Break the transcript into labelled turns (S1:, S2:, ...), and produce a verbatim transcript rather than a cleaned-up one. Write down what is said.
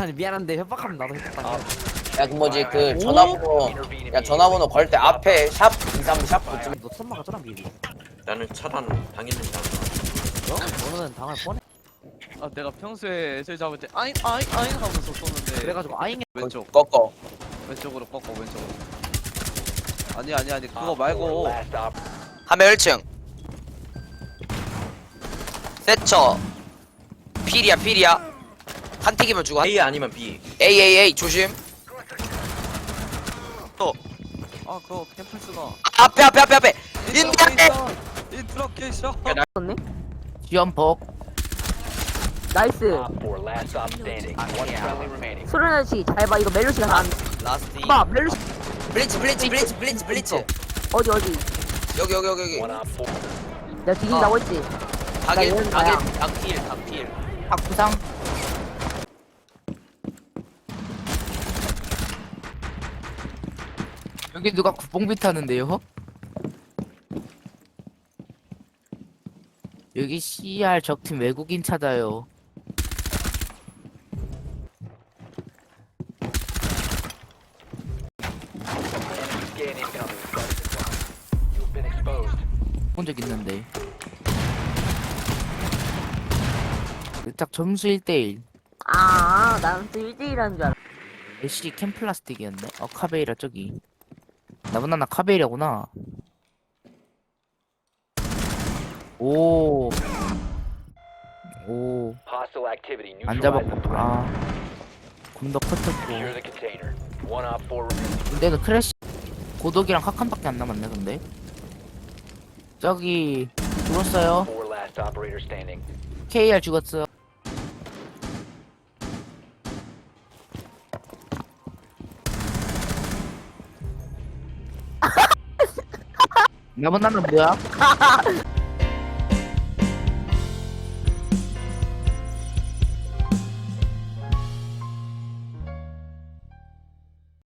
S1: 아니 미안한데 협박하면 나도 협박한다.
S2: 야, 그 뭐지, 그 전화번호, 야, 전화번호 걸 때 앞에 샵 이삼 샵 붙이면
S1: 너 천막 가잖아 미리.
S3: 나는 차단 당했는지 안
S1: 너? 너는 당할 뻔해.
S4: 아 내가 평소에 애들 잡을 때 아잉 아잉 아잉 하면서 쏘는데
S1: 그래가지고 아잉
S4: 왼쪽
S2: 꺾어.
S4: 왼쪽으로 꺾어 왼쪽으로. 아니 아니 아니 그거 말고
S5: 하면 일 층 세처 필이야 필이야 한 틱이면 죽어.
S3: A 아니면 B.
S5: 에이 에이 에이 조심. 또
S4: 아 그거 캠플스가
S5: 아, 앞에 앞에 앞에 앞에 인디안데
S4: 인트로케이션.
S1: 썼네?
S6: 지연폭
S7: 나이스. 소련아씨 잘 봐. 이거 멜로시가 다 안.
S5: 라스트 이.
S7: 봐 멜로시
S5: 블리츠 블리츠 블리츠 블리츠 블리츠
S7: 어디 어디.
S5: 여기 여기 여기 여기
S7: 내가 뒤진다고 했지.
S5: 각일
S7: 이런
S5: 각일
S7: 거야.
S5: 각필 각필.
S6: 학부상 여기 누가 국뽕비 타는데요? 여기 씨알 적팀 외국인 찾아요. 본 적 있는데. 딱 점수 일 대일.
S7: 아, 나는 또 일 대일하는 줄 알아.
S6: 애쉬 캠플라스틱이었네. 어 카베이라 저기. 나보다 나 카베이라구나. 오. 오. 안 잡았고. 아. 곰도 커졌고. 근데도 크래쉬 고독이랑 카칸밖에 안 남았네 근데. 저기 죽었어요. 케이알 죽었어. 나보다는 뭐야?